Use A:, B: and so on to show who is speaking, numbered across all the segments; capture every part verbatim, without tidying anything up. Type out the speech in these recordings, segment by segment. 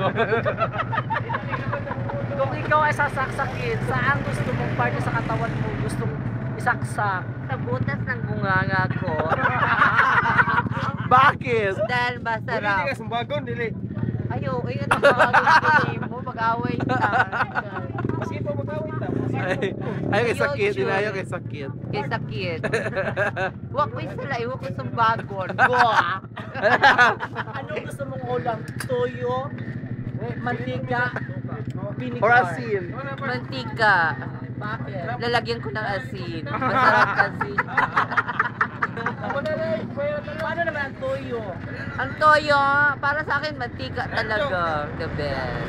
A: Kung ikaw ay sasaksakin, saan gusto mong parte sa katawan mo gustong isaksak?
B: Sa butas ng bunganga ko.
C: Bakit?
B: Dahil masarap.
D: Dili ka sumbagon, dili.
B: Ayaw, ay ano ba ang mo mag-away ka.
D: Maski pa magkawit ta.
C: Ay, ay kay sakit, inayo kay sakit.
B: Kay sakit. Huwag ko sila, huwag ko sumbagon. Go ah.
A: Anong gusto mong ulam? Toyo? Mantika? Vinegar?
C: Or asin.
B: Mantika.
A: Bakit?
B: Lalagyan ko ng asin. Masarap kasi.
A: Paano naman ang toyo?
B: Ang toyo, para sa akin, mantika talaga. The best.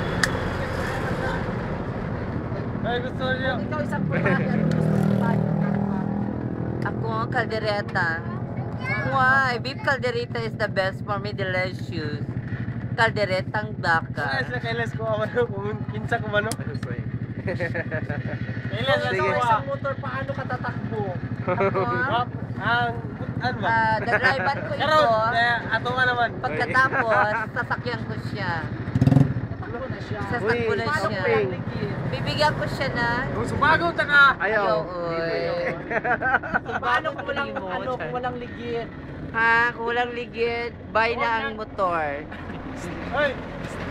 D: Ay, gusto niya.
A: Kung ikaw isang pagkain, anong gusto mong tayo?
B: Ako, kaldereta. Why? Beef caldereta is the best for me, delicious. Kalderetang
D: Ay,
B: baka.
D: sa kailas ko ako kung kinsa ko mano. Kailas
A: Kung
D: sa
A: ikaw
D: ko.
A: isang motor, paano ka tatakbo?
B: Ako,
D: Ang ano ba?
B: ah, dadrivean ko ito.
D: Karon, eh, ato nga naman.
B: Pagkatapos, sasakyan ko siya.
A: Tatakbo na siya.
B: Sasakbo na
A: Paano
B: siya.
A: ka lang ligid?
B: Bibigyan ko siya na.
D: Kung sumagon ta ka.
C: Ayaw.
B: Ayaw, oy.
A: Paano kung walang,
B: Limot.
A: ano, kung walang ligid?
B: Ha, kung walang ligid, buy na ang motor.
D: Hoy,